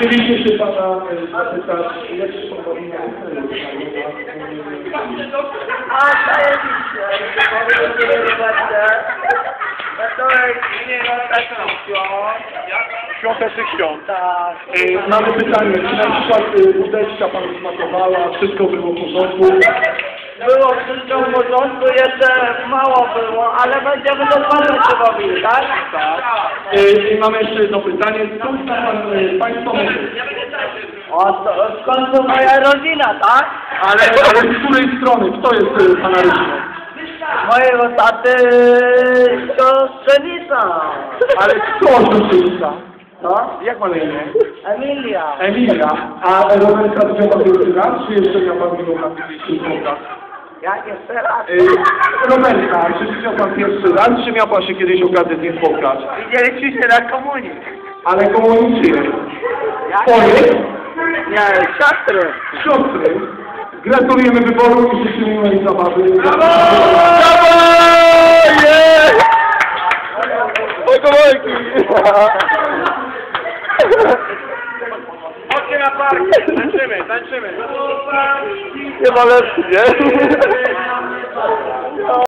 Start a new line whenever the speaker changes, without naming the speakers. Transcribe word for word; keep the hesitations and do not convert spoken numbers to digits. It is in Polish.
Chcieliście się pana e, zapytać, jak się pan bawi na hotelu?
A, zajebiście. Dziękuję bardzo. Wesołej, nie, no tak
Świątecznych świąt.
tak.
E, mamy pytanie, czy na przykład e, wódeczka panu smakowała, wszystko było w porządku?
Było wszystko w porządku, jeszcze mało było, ale będziemy do panu się bawili, tak?
Tak. E, I mamy jeszcze jedno pytanie, skąd zna pan e, państwo myśli?
O, to, w końcu moja rodzina, tak?
Ale, ale z której strony? Kto jest e, pana rodziną?
Mojego taty siostrzenica.
Ale kto siostrzenica?
No?
Jak ma na imię?
Emilia.
Emilia. A Roberta widział pan pierwszy raz, czy jeszcze miał pan minął na kilka?
Jak jeszcze raz?
Yy, Roberta, czy widział pan pierwszy raz, czy miał pan się kiedyś okazję z nim spotkać?
Widzieliśmy się na komunii.
Ale komu czyjej?
Jak?
Twojej?
Nie, siostry.
Siostry. Gratulujemy wyboru i życzymy miłej zabawy.
Brawo! Jest! Ojkowojki! Chodźcie na park! Tańczymy, tańczymy! Chyba lepszy, nie?